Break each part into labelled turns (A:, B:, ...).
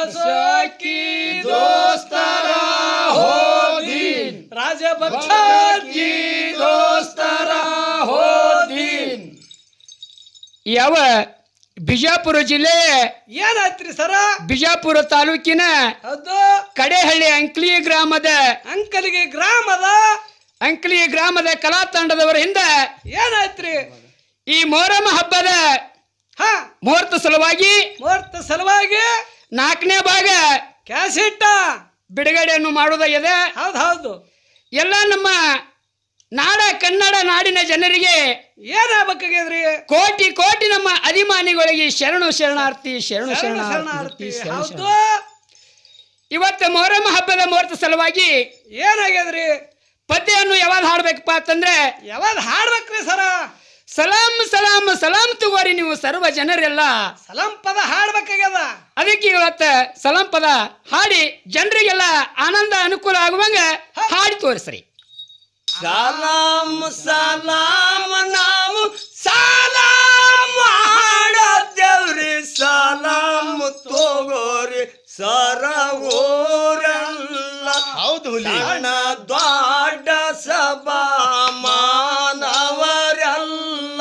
A: सखी दोस्तारा हो दिन राजपक्ष की दोस्तारा हो दिन
B: ಯಾವ ಬಿಜಾಪುರ ಜಿಲ್ಲೆ
A: ಏನಾಯ್ತ್ರಿ ಸರ
B: ಬಿಜಾಪುರ ತಾಲೂಕಿನ
A: ಹೌದು
B: ಕಡೆಹಳ್ಳಿ ಅಂಕಲಿ ಗ್ರಾಮದ ಕಲಾ ತಂಡದವರಿಂದ
A: ಏನಾಯ್ತ್ರಿ
B: ಈ ಮೊಹರಂ ಹಬ್ಬದ ಮುಹೂರ್ತ ಸಲುವಾಗಿ 4ನೇ ಭಾಗ
A: ಕ್ಯಾಸೆಟ್
B: ಬಿಡುಗಡೆಯನ್ನು ಮಾಡುವುದಾಗಿದೆ.
A: ಹೌದು
B: ಎಲ್ಲ ನಮ್ಮ ಕನ್ನಡ ನಾಡಿನ ಜನರಿಗೆ
A: ಏನಾಗಬೇಕಾಗ್ಯದ್ರಿ
B: ಕೋಟಿ ಕೋಟಿ ನಮ್ಮ ಅಭಿಮಾನಿಗಳಿಗೆ ಶರಣಾರ್ಥಿ.
A: ಹೌದು
B: ಇವತ್ತು ಮೊಹರಂ ಹಬ್ಬದ ಮುಹೂರ್ತ ಸಲುವಾಗಿ
A: ಏನಾಗ್ಯದ್ರಿ
B: ಪದ್ಯವನ್ನು ಯಾವಾಗ ಹಾಡ್ಬೇಕಪ್ಪ ಅಂತಂದ್ರೆ
A: ಯಾವಾಗ ಹಾಡ್ಬೇಕ್ರಿ ಸರ
B: ಸಲಾಂ ಸಲಾಂ ಸಲಾಂ ತಗೋರಿ ನೀವು ಸರ್ವ ಜನರೆಲ್ಲ
A: ಸಲಾಂ ಪದ ಹಾಡ್ಬೇಕಾಗ್ಯದ.
B: ಅದಕ್ಕೆ ಇವತ್ತು ಸಲಾಂ ಪದ ಹಾಡಿ ಜನರಿಗೆಲ್ಲ ಆನಂದ ಅನುಕೂಲ ಆಗುವಂಗ ಹಾಡಿ ತೋರಿಸ್ರಿ.
A: ಸಲಾಂ ಸಲಾಂ ನಾವು ಸಲಾಂ ಮಾಡದೇವ್ರಿ ಸಲಾಂ ತಗೋರಿ ಸರಗೋರಲ್ಲ.
C: ಹೌದು
A: ಹಣ ದೊಡ್ಡ ಸಭಾ ಮಾನವರೆಲ್ಲ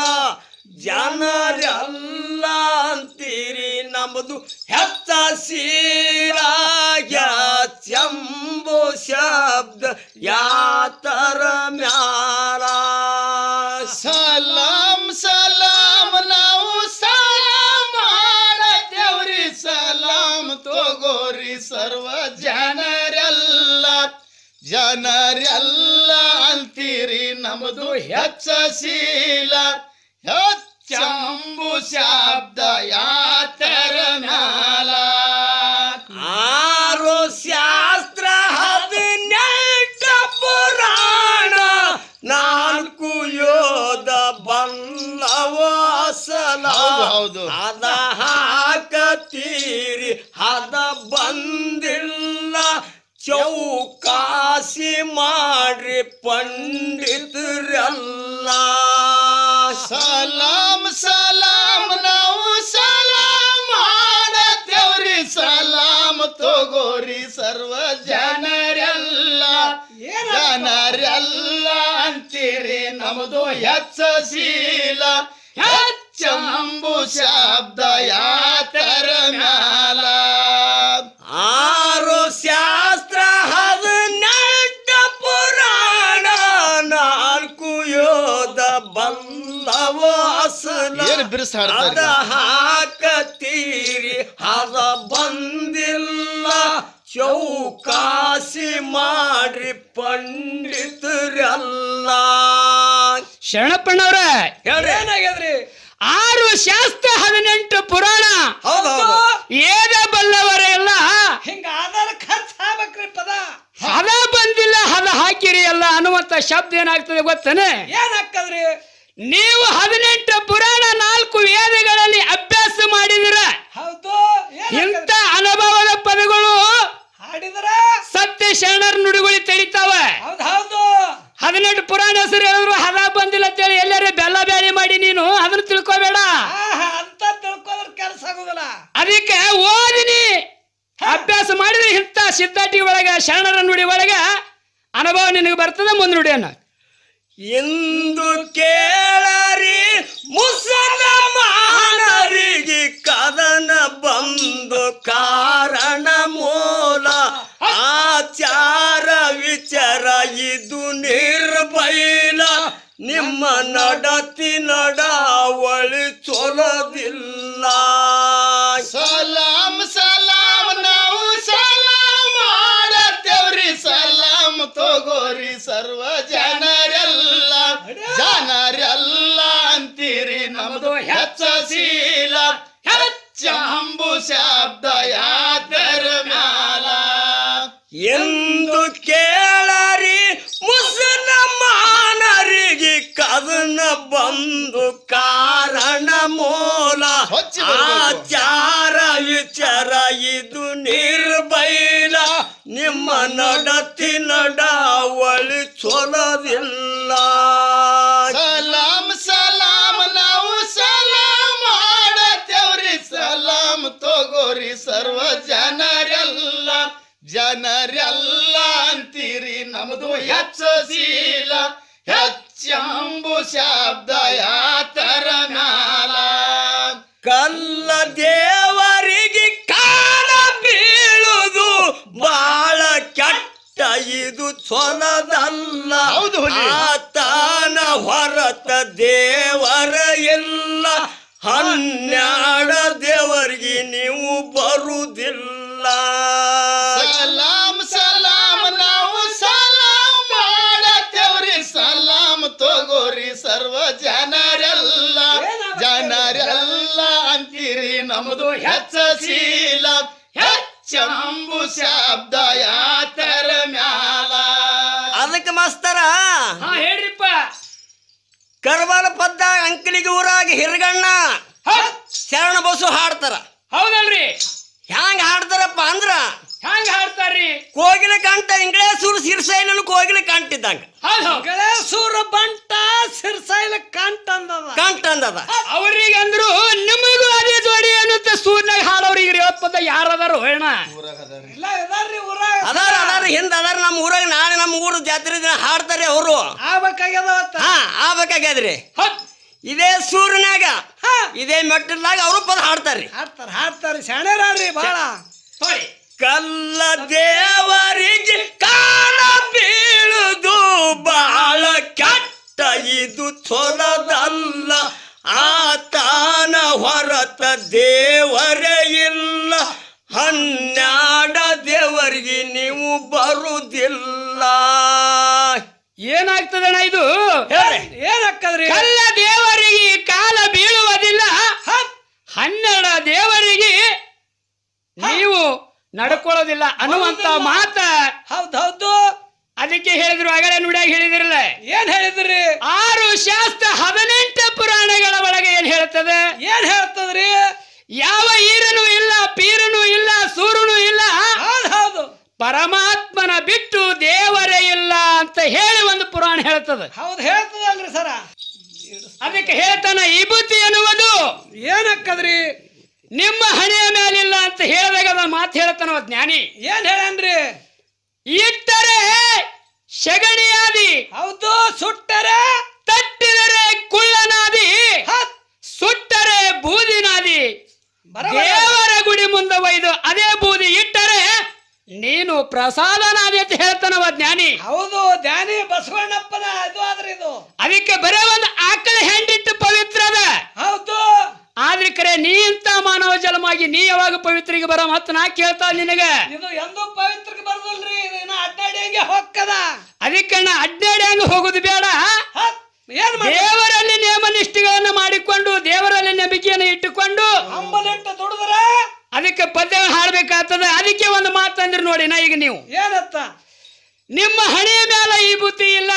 A: ಜನರೆಲ್ಲ ಅಂತೀರಿ ನಮ್ಮದು ಹೆಚ್ಚ ಸೀರಾಯ ಚಂಬು ಶಬ್ದ ಯಾತರ ಮ್ಯಾಲ.
C: ಸಲಾಂ ಸಲಾಂ ನಾವು ಸಲಾಂ ಮಾಡದೇವ್ರಿ ಸಲಾಂ ತಗೋರಿ ಸರ್ವ ಜನರೆಲ್ಲ ಅಂತೀರಿ ನಮ್ಮದು ಹೆಚ್ಚ ಶೀಲ ಹೆಚ್ಚಂಬು ಶಬ್ದ ಯಾತರ ಮ್ಯಾಲ.
A: 6 ಶಾಸ್ತ್ರ 18 ಪುರಾಣ 4 ಯೋಧ ಬಲ್ಲವಾಸಲ.
C: ಹೌದು
A: ಅದ ಹಾಕತೀರಿ ಅದ ಬಂದಿಲ್ಲ ಚೌಕಾಸಿ ಮಾಡ್ರಿ ಪಂಡಿತರೆಲ್ಲ.
C: ಸಲಾಂ ಸಲಾಂ ನಾವು ಸಲಾಂ ಮಾಡದೇವ್ರಿ ಸಲಾಂ ತಗೋರಿ ಸರ್ವ ಜನರೆಲ್ಲ ಅಂತೀರಿ ನಮ್ಮದು ಹೆಚ್ಚ ಶೀಲ ಹೆಚ್ಚಂಬು ಶಬ್ದ ಯಾತರ ಮ್ಯಾಲ.
A: 6 ಶಾಸ್ತ್ರ 18 ಪುರಾಣ 4 ಯೋಧ ಬಲ್ಲವಾಸಲ.
C: ಏನು ಬಿರುಸು ಹಾಡ್ತಾರೆ?
A: ಅದ ಹಾಕತೀರಿ ಅದ ಬಂದಿಲ್ಲ ಚೌಕಾಸಿ ಮಾಡ್ರಿ ಪಂಡಿತರೆಲ್ಲ.
B: ಶರಣಪ್ಪಣ್ಣವ್ರ
A: ಏನಾಗ್ಯದ್ರಿ
B: 6 ಶಾಸ್ತ್ರ 18 ಪುರಾಣ ಏದ ಬಲ್ಲವರೆಲ್ಲ
A: ಹಿಂಗ ಆಧಾರ ಖರ್ಚು ಆಗ್ಬೇಕ್ರಿ ಪದ.
B: ಹದ ಬಂದಿಲ್ಲ ಹದ ಹಾಕಿರಿ ಎಲ್ಲ ಅನ್ನುವಂತ ಶಬ್ದ ಏನಾಗ್ತದೆ ಗೊತ್ತೇನೆ?
A: ಏನಾಗ್ತದ್ರಿ
B: ನೀವು 18 ಪುರಾಣ 4 ವೇದಗಳಲ್ಲಿ ಅಭ್ಯಾಸ ಮಾಡಿದಿರ.
A: ಹೌದು
B: ಇಂಥ ಅನುಭವದ ಪದಗಳು
A: ಹಾಡಿದ್ರ
B: ಸತ್ಯ ಶರಣರ ನುಡಿಗಳು ತಡಿತಾವ.
A: ಹೌದು
B: 18 ಪುರಾಣ ಹೆಸರು ಹೇಳಿದ್ರು ಹದ ಬಂದಿಲ್ಲ ಅಂತೇಳಿ ಎಲ್ಲರೂ ಬೆಲ್ಲ ಬ್ಯಾಳಿ ಮಾಡಿ ನೀನು ಅದನ್ನ ತಿಳ್ಕೊಬೇಡ.
A: ಅಂತ ತಿಳ್ಕೊದ್ರ ಕೆಲಸ ಆಗುದಿಲ್ಲ.
B: ಅದಕ್ಕೆ ಓದಿನಿ ಅಭ್ಯಾಸ ಮಾಡಿದ್ರೆ ಇಂಥ ಸಿದ್ಧಾಟಿ ಒಳಗ ಶರಣರ ನುಡಿ ಒಳಗ ಅನುಭವ ನಿನಗೆ ಬರ್ತದೆ. ಮುಂದೆ ನುಡಿಯನ್ನ
A: ಎಂದು ಕೇಳರಿ ಮುಸಲ್ಮಾನರಿಗೆ ಕದನ ಬಂದು ಕಾರಣ ಮೂಲ ಆಚಾರ ವಿಚಾರ ಇದು ನಿರ್ಭೈಲ. ನಿಮ್ಮ ನಡತಿ ನಡಾವಳಿ ಚೊಲದಿಲ್ಲ.
C: ಸಲಾಂ ಸಲಾಂ ನಾವು ಸಲಾಂ ಮಾಡದೇವ್ರಿ ಸಲಾಂ ತಗೋರಿ ಸರ್ವ ಜನರೆಲ್ಲ ಅಂತೀರಿ ನಮ್ಮದು ಹೆಚ್ಚ ಶೀಲ ಹೆಚ್ಚಂಬು ಶಬ್ದ ಯಾತರ ಮ್ಯಾಲ.
A: ಎಂದು ಕೇಳರಿ ಮುಸಲ್ಮಾನರಿಗೆ ಕದನ ಬಂದು ಕಾರಣ ಮೂಲ ಆಚಾರ ವಿಚಾರ ಇದು ನಿರ್ಭೈಲ. ನಿಮ್ಮ ನಡತಿ ನಡಾವಳಿ ಚೊಲದಿಲ್ಲ.
C: ಸಲಾಂ ಸಲಾಂ ನಾವು ಸಲಾಂ ಮಾಡದೇವ್ರಿ ಸಲಾಂ ತಗೋರಿ ಸರ್ವ ಜನ ಜನರೆಲ್ಲ ಅಂತೀರಿ ನಮ್ದು ಹೆಚ್ಚ ಶೀಲ ಹೆಚ್ಚಂಬು ಶಬ್ದ ಯಾತರ ಮ್ಯಾಲ
A: ಕಲ್ಲ ದೇವರಿಗೆ ಕಾಲ ಬೀಳುದು ಬಾಳ ಕೆಟ್ಟ ಇದು ಚೊಲದಲ್ಲ
C: ಹೌದು ಹುಲಿ.
A: ಆತನ ಹೊರತ ದೇವರ ಇಲ್ಲ 12 ದೇವರಿಗೆ ನೀವು ಬರುವುದಿಲ್ಲ
C: ಸಲಾಮ್ ಸಲಾಮ್ ನಾವು ಸಲಾಮ್ ಮಾಡತ್ತೇವ್ರಿ ಸಲಾಮ್ ತಗೋರಿ ಸರ್ವ ಜನರೆಲ್ಲ ಜನರೆಲ್ಲ ಅಂತೀರಿ ನಮ್ದು ಹೆಚ್ಚ ಶೀಲ ಹೆಚ್ಚಂಬು ಶಬ್ದ ಯಾತರ ಮ್ಯಾಲ
A: ಅದಕ್ಕೆ ಮಾಸ್ತರ
B: ಹಾ ಹೇಳ್ರಿಪ್ಪ
A: ಕರ್ವಾಲ ಪದ್ದ ಅಂಕಲಿಗೆ ಊರಾಗ ಹಿರಗಣ್ಣ ಶರಣ ಬಸು ಹಾಡ್ತಾರ
B: ಹೌದಲ್ರಿ
A: ಹ್ಯಾಂಗ ಹಾಡ್ತಾರಪ್ಪ ಅಂದ್ರ
B: ಹ್ಯಾಂಗ ಹಾಡ್ತಾರ್ರಿ
A: ಕೋಗಿಲೆ ಕಂಠ ಇಂಗ್ಲೇಸೂರು ಸಿರ್ಸೈಲನು ಕೋಗಿಲೆ ಕಂಠಿದ್ದಂಗ
B: ಇಂಗ್ಲೇಸೂರು ಬಂಟ ಸಿರ್ಸೈಲ ಕಂಠ
A: ಕಂಠ
B: ಅವ್ರಿಗೆ ಅಂದ್ರು ನಿಮಗೂ ಅದೇ ಜೋಡಿ ಅನ್ನುತ್ತೆ ಸೂರ್ನಾಗ ಹಾಡೋರಿಗೆ 50 ಪದ ಯಾರದಾರು ಹೇಳ
A: ಅದಾರ ಹಿಂದ ಅದಾರ ನಮ್ಮ ಊರಾಗ ನಾಳೆ ನಮ್ಮ ಊರು ಜಾತ್ರೆ ದಿನ ಹಾಡ್ತಾರೆ ಅವರು ಆಗ್ಬೇಕಾಗ್ಯದ್ರಿ ಇದೇ ಸೂರ್ಯನಾಗ ಇದೇ ಮೆಟ್ಟಲ್ದಾಗ ಅವರು ಪದ ಹಾಡ್ತಾರ್ರಿ
B: ಶಾಣ್ಯರಾರ್ರಿ ಬಾಳ
A: ಕಲ್ಲ ದೇವರಿಗೆ ಕಾಲ ಬೀಳುದು ಬಾಳ ಕೆಟ್ಟ ಇದು ಚೊಲದಲ್ಲ ಆತನ ಹೊರತ ದೇವರೇ ಇಲ್ಲ 12 ದೇವರಿಗೆ ನೀವು ಬರುವುದಿಲ್ಲ
B: ಏನಾಗ್ತದಣ್ಣ ಇದು
A: ಏನಾಗ್ತದ್ರಿ
B: ಕಲ್ಲ ದೇವರಿಗೆ ಕಾಲ ಬೀಳುವುದಿಲ್ಲ 12 ದೇವರಿಗೆ ನೀವು ನಡ್ಕೊಳ್ಳೋದಿಲ್ಲ ಅನ್ನುವಂತ ಮಾತ
A: ಹೌದೌದು
B: ಅದಕ್ಕೆ ಹೇಳಿದ್ರು ಆಗಲೇ ನುಡಿಯಾಗ ಹೇಳಿದಿರಲ್ಲ
A: ಏನ್ ಹೇಳಿದ್ರಿ
B: 6 ಶಾಸ್ತ್ರ 18 ಪುರಾಣಗಳ ಒಳಗೆ ಏನ್ ಹೇಳ್ತದೆ
A: ಏನ್ ಹೇಳ್ತದ್ರಿ
B: ಯಾವ ಈರನು ಇಲ್ಲ ಪೀರನು ಇಲ್ಲ ಸೂರನು ಇಲ್ಲ
A: ಹೌದು
B: ಪರಮಾತ್ಮನ ಬಿಟ್ಟು ದೇವರೇ ಇಲ್ಲ ಅಂತ ಹೇಳಿ ಒಂದು ಪುರಾಣ ಹೇಳ್ತದೆ
A: ಹೌದು ಹೇಳ್ತದಲ್ರಿ ಸರ
B: ಅದಕ್ಕೆ ಹೇಳ್ತಾನ ವಿಭೂತಿ ಎನ್ನುವುದು
A: ಏನಕ್ಕದ್ರಿ
B: ನಿಮ್ಮ ಹಣೆಯ ಮೇಲಿಲ್ಲ ಅಂತ ಹೇಳಿದಾಗ ಅದನ್ನ ಮಾತು ಹೇಳ್ತಾನ ಜ್ಞಾನಿ
A: ಏನ್ ಹೇಳನ್ರಿ
B: ಇಟ್ಟರೆ ಶಗಣಿಯಾದಿ
A: ಹೌದು ಸುಟ್ಟರೆ
B: ತಟ್ಟಿದರೆ ಕುಳ್ಳನಾದಿ ಸುಟ್ಟರೆ ಬೂದಿನಾದಿ ದೇವರ ಗುಡಿ ಮುಂದೆ ಒಯ್ದು ಅದೇ ಬೂದಿ ಇಟ್ಟರೆ ನೀನು ಪ್ರಸಾದನಾದಿ ಅಂತ ಹೇಳ್ತಾನವ ಜ್ಞಾನಿ
A: ಹೌದು ಜ್ಞಾನಿ ಬಸವಣ್ಣಪ್ಪನ ಇದು ಆದ್ರೆ ಇದು
B: ಅದಕ್ಕೆ ಬರೇ ಒಂದು ಆಕಳ ಹೆಂಡಿಟ್ಟು ಪವಿತ್ರದ
A: ಹೌದು
B: ಆದ್ರೆ ಕರೆ ನೀ ಇಂತ ಮಾನವ ಜಲಮಾಗಿ ನೀ ಯಾವಾಗ ಪವಿತ್ರಿಗೆ ಬರೋ ಮತ್ತ ನಾ ಕೇಳ್ತಾ ನಿನಗ
A: ಇದು ಎಂದೂ ಪವಿತ್ರಕ್ಕೆ ಬರದಲ್ರಿ ಇದು ಇನ್ನ ಅಡ್ಡಾಡಿ ಹಂಗೆ ಹೊಕ್ಕದ
B: ಅದಕ್ಕಣ್ಣ ಅಡ್ಡಾಡಿ ಹಂಗ ಹೋಗುದು ಬೇಡ
A: ಏನ್
B: ದೇವರಲ್ಲಿ ನೇಮ ನಿಷ್ಠೆಗಳನ್ನ ಮಾಡಿಕೊಂಡು ದೇವರಲ್ಲಿ ನಂಬಿಕೆಯನ್ನು ಇಟ್ಟುಕೊಂಡು
A: ಅಂಬಲಿಟ್ಟು ದುಡಿದ್ರ
B: ಅದಕ್ಕೆ ಪದ್ಯ ಹಾಡ್ಬೇಕಾಗ್ತದ ಅದಕ್ಕೆ ಒಂದು ಮಾತಂದ್ರಿ ನೋಡಿ ನಾ ಈಗ ನೀವು
A: ಏನತ್ತ
B: ನಿಮ್ಮ ಹಣೆಯ ಮೇಲೆ ಈ ಬುದ್ಧಿ ಇಲ್ಲ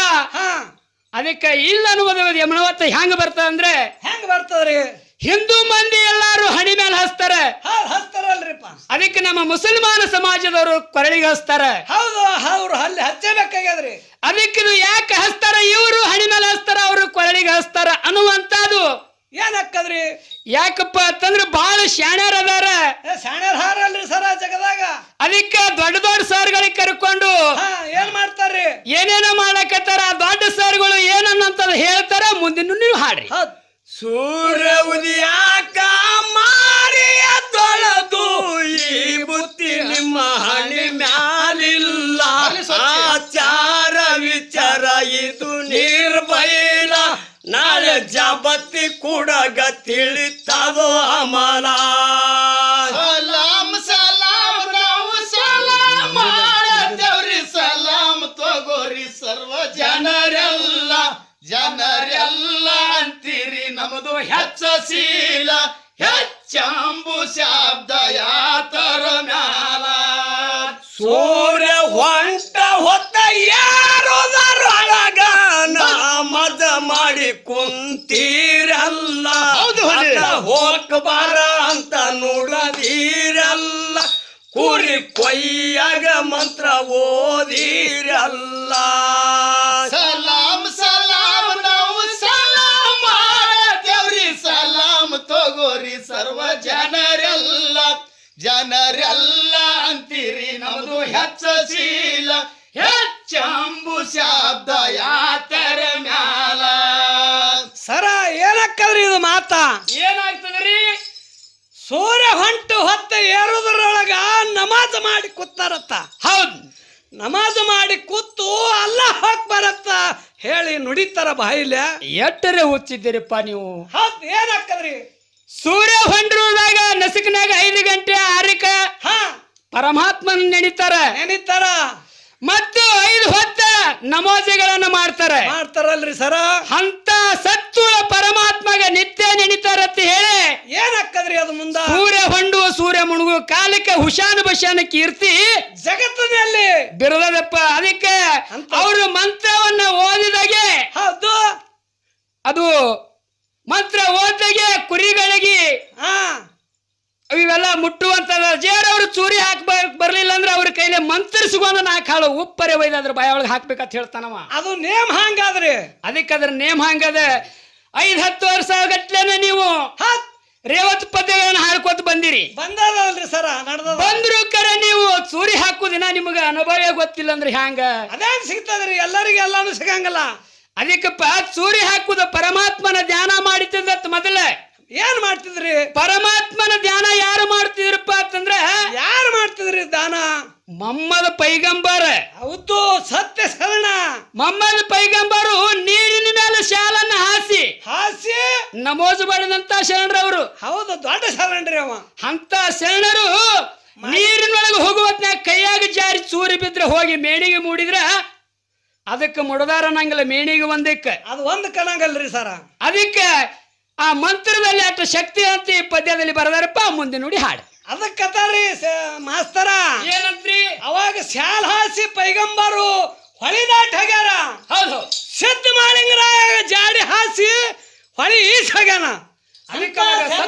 B: ಅದಕ್ಕೆ ಇಲ್ಲ ಅನ್ನುವುದು ಯಮನವತ್ತ ಹೆಂಗ ಬರ್ತದ ಅಂದ್ರೆ
A: ಹೆಂಗ್ ಬರ್ತದ್ರಿ
B: ಹಿಂದೂ ಮಂದಿ ಎಲ್ಲಾರು ಹಣಿ ಮೇಲೆ ಹಚ್ತಾರೆ
A: ಹಚ್ತಾರಲ್ರಿಪ್ಪ
B: ಅದಕ್ಕೆ ನಮ್ಮ ಮುಸಲ್ಮಾನ ಸಮಾಜದವರು ಕೊರಳಿಗೆ ಹಚ್ತಾರೆ
A: ಹೌದು ಅವ್ರು ಅಲ್ಲಿ ಹಚ್ಚಬೇಕಾಗ್ಯದ್ರಿ
B: ಅದಕ್ಕೆ ಇದು ಯಾಕೆ ಹಚ್ತಾರ ಇವರು ಹಣಿ ಮೇಲೆ ಹಚ್ತಾರ ಅವರು ಕೊರಳಿಗೆ ಹಚ್ತಾರ ಅನ್ನುವಂತದ್ದು
A: ಏನಕ್ಕದ್ರಿ
B: ಯಾಕಪ್ಪ ಅಂತಂದ್ರೆ ಬಹಳ ಶಾಣ್ಯರ್ ಅದಾರ
A: ಶಾಣ್ಯರ್ ಹಾರಲ್ರಿ ಸರ ಜಗದಾಗ
B: ಅದಕ್ಕೆ ದೊಡ್ಡ ದೊಡ್ಡ ಸರ್ಗಳಿಗೆ ಕರ್ಕೊಂಡು
A: ಏನ್ ಮಾಡ್ತಾರ್ರಿ
B: ಏನೇನೋ ಮಾಡಕತ್ತಾರ ದೊಡ್ಡ ಸರ್ಗಳು ಏನನ್ನಂತದ್ ಹೇಳ್ತಾರ ಮುಂದಿನ ನೀವು ಹಾಡ್ರಿ
A: ಸೂರ್ಯ ಉದಯಾಕ ಮಾರಿಯ ತೊಳೆದು ಈ ಬುತ್ತಿ ನಿಮ್ಮ ಹಣಿ ಮ್ಯಾಲಿಲ್ಲ ಆಚಾರ ವಿಚಾರ ಇದು ನಿರ್ಭೈಲ ನಾಳೆ ಜಬತ್ತಿ ಕೂಡಗ ತಿಳಿತದೋ ಅಮಲ
C: ಸಲಾಮ್ ಸಲಾಮ್ ನಾವು ಸಲಾಮ್ ಮಾಡತ್ತೇವ್ರಿ ಸಲಾಮ್ ತಗೋರಿ ಸರ್ವ ಜನರೆಲ್ಲ ಜನರೆಲ್ಲ ಅಂತೀರಿ ನಮ್ದು ಹೆಚ್ಚ ಶೀಲ ಹೆಚ್ಚಂಬು ಶಬ್ದ ಯಾತರ ಮ್ಯಾಲ
A: ಸೂರ್ಯ ಹೊಂಟ ಹೊತ್ತ ಯಾರೋದರೊಳಗ ಮದ ಮಾಡಿ ಕುಂತೀರಲ್ಲ ಹೋಗ್ಬಾರ ಅಂತ ನೋಡದೀರಲ್ಲ ಕುರಿ ಕೊಯ್ಯಾಗ ಮಂತ್ರ ಓದಿರಲ್ಲ
C: ಸಲಾಮ್ ಸಲಾಮ್ ನಾವು ಸಲಾಮ್ ಮಾಡತ್ತೇವ್ರಿ ಸಲಾಮ್ ತಗೋರಿ ಸರ್ವ ಜನರೆಲ್ಲ ಜನರೆಲ್ಲ ಅಂತೀರಿ ನಮ್ದು ಹೆಚ್ಚ ಹೆಚ್ಚೀಲ ಹೆಚ್ಚಂಬು ಶಬ್ದ ಯಾತರ ಮ್ಯಾಲ
B: ಸರ ಏನಕ್ಕದ್ರಿ ಇದು ಮಾತಾ
A: ಏನಾಗ್ತದ್ರಿ
B: ಸೂರ್ಯ ಹೊಂಟು ಹೊತ್ತ ಏರುದ್ರೊಳಗ ನಮಾಜ್ ಮಾಡಿ ಕೂತಾರತ್ತ
A: ಹೌದ್
B: ನಮಾಜ್ ಮಾಡಿ ಕೂತು ಅಲ್ಲಾಹ್ ಅಕ್ಬರ್ ಅಂತ ಹೇಳಿ ನುಡಿತಾರ ಬಾಯಿಲೆ
A: ಎಟ್ಟರೆ ಹುಚ್ಚಿದ್ದೀರಿಪ್ಪ ನೀವು
B: ಹೌದ್ ಏನಕ್ಕದ್ರಿ
A: ಸೂರ್ಯ ಹೊಂಡ್ರದಾಗ ನಸುಕಿನಾಗ 5 ಗಂಟೆ 6ಕ್ಕ
B: ಹಾ
A: ಪರಮಾತ್ಮನ ನೆನಿತಾರ
B: ಏನಿತ್ತಾರ
A: ಮತ್ತು 5 ಹೊತ್ತ ನಮಾಜುಗಳನ್ನ
B: ಮಾಡ್ತಾರಲ್ರಿ ಸರ
A: ಅಂತ ಸತ್ತುಳ ಪರಮಾತ್ಮಗ ನಿತ್ಯ ನೆನಿತಾರತ್ತ ಹೇಳಿ
B: ಏನಕ್ಕದ್ರಿ ಅದು ಮುಂದ
A: ಸೂರ್ಯ ಹೊಂಡುವ ಸೂರ್ಯ ಮುಣುಗುವ ಕಾಲಕ್ಕೆ ಹುಷಾನ ಬಶಾನ ಕೀರ್ತಿ
B: ಜಗತ್ತಿನಲ್ಲಿ
A: ಬಿರದಪ್ಪ ಅದಕ್ಕೆ ಅವರು ಮಂತ್ರವನ್ನ ಓದಿದಾಗೆ
B: ಹೌದು
A: ಅದು ಮಂತ್ರ ಓದಿದಾಗೆ ಕುರಿಗಳಿಗೆ
B: ಹಾ
A: ಇವೆಲ್ಲ ಮುಟ್ಟುವಂತದ ಜೇರವ್ರು ಚೂರಿ ಬರ್ಲಿಲ್ಲ ಅಂದ್ರೆ ಅವ್ರ ಕೈಲಿ ಮಂತ್ರಿಸಿಕೊಂಡು 4 ಹಾಳು ಉಪ್ಪರೆ ಒಯ್ದು ಅದ್ರ ಬಾಯ ಒಳಗೆ ಹಾಕ್ಬೇಕಂತ ಹೇಳ್ತಾನವ
B: ಅದು ನೇಮ್ ಹಂಗಾದ್ರಿ
A: ಅದಕ್ಕೆ ಅದ್ರ ನೇಮ್ ಹಂಗದ 5-10 ವರ್ಷ ಗಟ್ಲೆನ ನೀವು ರೇವತ್ ಪದ್ಯಗಳನ್ನ ಹಾಡ್ಕೋತ ಬಂದಿರಿ
B: ಬಂದದಲ್ರಿ ಸರ ನಡ್ದ
A: ಬಂದ್ರು ಕರೆ ನೀವು ಚೂರಿ ಹಾಕುದಿನ ನಿಮಗ ಅನುಭವ ಗೊತ್ತಿಲ್ಲ ಅಂದ್ರೆ ಹ್ಯಾಂಗ
B: ಅದೇನ್ ಸಿಗ್ತದ್ರಿ ಎಲ್ಲರಿಗೂ ಎಲ್ಲಾನು ಸಿಗಂಗಲ್ಲ
A: ಅದಕ್ಕಪ್ಪ ಚೂರಿ ಹಾಕುದ ಪರಮಾತ್ಮನ ಧ್ಯಾನ ಮಾಡಿದ್ದ ಮೊದಲ
B: ಏನ್ ಮಾಡ್ತಿದ್ರಿ
A: ಪರಮಾತ್ಮನ ಧ್ಯಾನ ಯಾರು ಮಾಡ್ತಿದ್ರಪ್ಪ ಅಂತಂದ್ರ
B: ಯಾರು ಮಾಡ್ತಿದ್ರಿ ದಾನ
A: ಮೊಹಮ್ಮದ್ ಪೈಗಂಬರ್
B: ಹೌದು ಸತ್ಯ ಶರಣ
A: ಮೊಹಮ್ಮದ್ ಪೈಗಂಬರು ನೀರಿನ ಮೇಲೆ ಶಾಲನ್ನ ಹಾಸಿ ನಮೋಜ್ ಮಾಡಿದಂತ ಶರಣರವರು
B: ಹೌದು ದೊಡ್ಡ ಶರಣರಿ ಅವ
A: ಅಂತ ಶರಣರು ನೀರಿನೊಳಗೆ ಹೋಗುವತ್ನಾಗ ಕೈಯಾಗ ಜಾರಿ ಚೂರಿ ಬಿದ್ರೆ ಹೋಗಿ ಮೇಣಿಗೆ ಮೂಡಿದ್ರ ಅದಕ್ಕೆ ಮುಡದಾರ ನಂಗಲ್ಲ ಮೇಣಿಗೆ ಒಂದಕ್ಕೆ
B: ಅದು ಒಂದು ಕಣಂಗಲ್ರಿ ಸರ
A: ಅದಕ್ಕೆ ಆ ಮಂತ್ರದಲ್ಲಿ ಅಷ್ಟು ಶಕ್ತಿ ಅಂತ ಈ ಪದ್ಯದಲ್ಲಿ ಬರದಾರಪ್ಪ ಮುಂದೆ ನೋಡಿ ಹಾಡು
B: ಅದಕ್ಕತಾರಿ ಮಾಸ್ತರ
A: ಏನಂತ್ರಿ
B: ಅವಾಗ ಶಾಲ್ ಹಾಸಿ ಪೈಗಂಬರು ಹೊಳಿದಾಟ್ ಹೋಗ್ಯಾರ
A: ಹೌದು
B: ಸಿದ್ಧ ಮಾಳಿಂಗರಾಯ ಜಾಡಿ ಹಾಸಿ ಹೊಳಿ ಈಸ್ ಹೋಗ್ಯಾನ
A: ಅದಕ್ಕೆ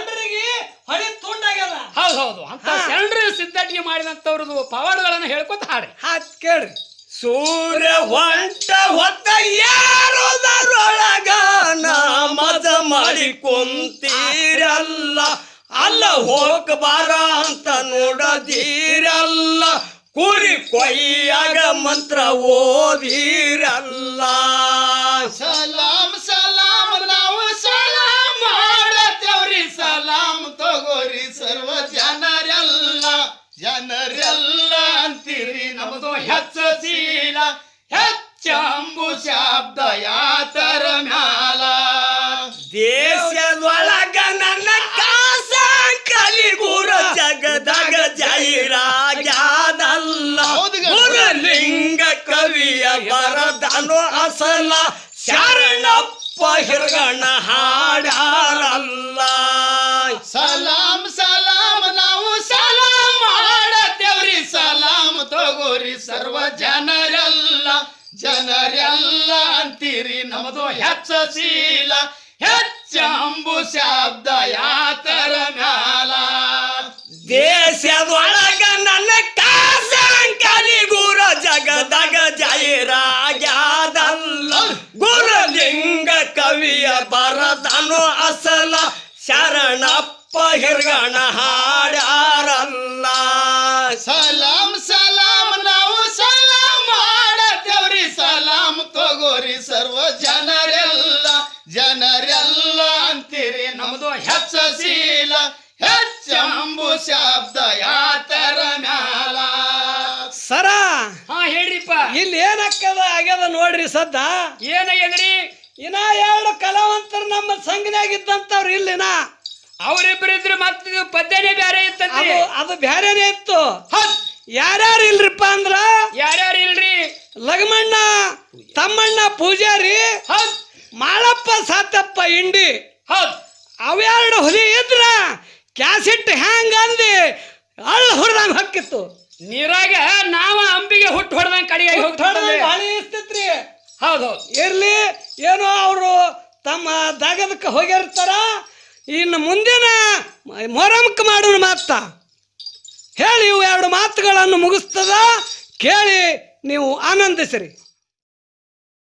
B: ಹೊಳಿ ತುಂಡಾಗ್ಯದ
A: ಹೌದು ಅಂತ ಶರಣರು ಸಿದ್ಧಟಿಗೆ ಮಾಡಿದಂತವ್ರದ್ದು ಪವಾಡಗಳನ್ನು ಹೇಳ್ಕೊತ ಹಾಡ್ರಿ
B: ಹಾತ್ ಕೇಳ್ರಿ
A: ಸೂರ್ಯ ಹೊತ್ತ ಯಾರೋದರೊಳಗ ನಮಾಜ ಮಾಡಿ ಕುಂತೀರಲ್ಲ ಅಲ್ಲ ಹೋಗಬಾರ ಅಂತ ನೋಡದೀರಲ್ಲ ಕುರಿ ಕೊಯ್ಯಾಗ ಮಂತ್ರ ಓದಿರಲ್ಲ
C: ಸಲಾಮ್ ಸಲಾಮ್ ನಾವು ಸಲಾಮ್ ಮಾಡತ್ತೇವ್ರಿ ಸಲಾಮ್ ತಗೋರಿ ಸರ್ವ ಜನರೆಲ್ಲ ಅಂತೀರಿ ನಮ್ದು ಹೆಚ್ಚೀಲ ಹೆಚ್ಚಂಬು ಶಬ್ದ ಯಾತರ ಮ್ಯಾಲ
A: ದೇಶದೊಳಗ ನನ್ನ ಕಾಸ ಕಲಿಗುರ ಜಗದಾಗ ಜೈರಾಗ್ಯಾದಲ್ಲ ಗುರುಲಿಂಗ ಕವಿಯ ಬರದನು ಅಸಲ ಶರಣಪ್ಪ ಹಿರಗಣ ಹಾಡಾರಲ್ಲ
C: ಸಲಾಮ್ ಸಲಾಮ್ ನಾವು ಸಲಾಮ್ ಮಾಡತ್ತೇವ್ರಿ ಸಲಾಮ್ ತಗೋರಿ ಸರ್ವ ಜನರೆಲ್ಲ ಅಂತೀರಿ ನಮ್ದು ಹೆಚ್ಚೀಲ ಹೆಚ್ಚಂಬು ಶಬ್ದ ಯಾತರ ಮ್ಯಾಲ
A: ದೇಶದೊಳಗ ನನ್ನ ಕಾಸ ಕಲಿಗುರ ಜಗದಾಗ ಜೈರಾಗ್ಯಾದಲ್ಲ ಗುರುಲಿಂಗ ಕವಿಯ ಬರದನು ಅಸಲ ಶರಣಪ್ಪ ಹಿರಗಣ ಹಾಡಾರಲ್ಲ
C: ಸಲಾಮ್ ಸಲಾಮ್ ನಾವು ಸಲಾಮ್ ಮಾಡತ್ತೇವ್ರಿ ಸಲಾಮ್ ತಗೋರಿ ಸರ್ವ ಜನರೆಲ್ಲ ಅಂತೀರಿ ನಮ್ದು ಹೆಚ್ಚೀಲ ಹೆಚ್ಚಂಬು ಶಬ್ದ ಯಾತರ ಮ್ಯಾಲ
B: ಸರ
A: ಹಾ ಹೇಳ್ರಿಪ್ಪ
B: ಇಲ್ಲಿ ಏನಕ್ಕದ ಆಗ್ಯದ ನೋಡ್ರಿ ಸದ್ದ
A: ಏನಾಗ್ಯದ್ರಿ
B: ಇನ್ನ 2 ಕಲಾವಂತರು ನಮ್ಮ ಸಂಘನಾಗ ಇದ್ದಂತವ್ರು ಇಲ್ಲಿನ
A: ಅವ್ರಿಬ್ರಿದ್ರು ಮತ್ತೆ ಪದ್ಯನೇ ಬೇರೆ ಇತ್ತಂತ್ರಿ
B: ಅದು ಬ್ಯಾರೇನೆ ಇತ್ತು ಯಾರ್ಯಾರು ಇಲ್ರಿಪ್ಪ ಅಂದ್ರ
A: ಯಾರ್ಯಾರು ಇಲ್ರಿ
B: ಲಗಮಣ್ಣ ತಮ್ಮಣ್ಣ ಪೂಜಾರಿ ಮಾಳಪ್ಪ ಸಾತಪ್ಪ ಇಂಡಿ ಅವೆರಡು ಹುಲಿ ಇದ್ರ ಕ್ಯಾಸೆಟ್ ಹ್ಯಾಂಗ ಅಂದಿ ಅಳ್ಳ ಹೊಡೆದಂಗ ಹೊಕ್ಕಿತ್ತು
A: ನೀರಾಗ ನಾವ ಅಂಬಿಗೆ ಹುಟ್ಟು ಹೊಡೆದಂಗ ಕಡೆಯಾಗಿ
B: ಹೋಗ್ತಿತ್ರಿ
A: ಹೌದು
B: ಇರ್ಲಿ ಏನೋ ಅವರು ತಮ್ಮ ದಾಗದಕ್ಕೆ ಹೋಗಿರ್ತಾರ ಇನ್ನು ಮುಂದಿನ ಮೊರಮಕ್ಕೆ ಮಾಡೋಣ ಮಾತ ಹೇಳಿ ಇವು 2 ಮಾತುಗಳನ್ನು ಮುಗಿಸ್ತದ ಕೇಳಿ ನೀವು ಆನಂದಿಸಿರಿ.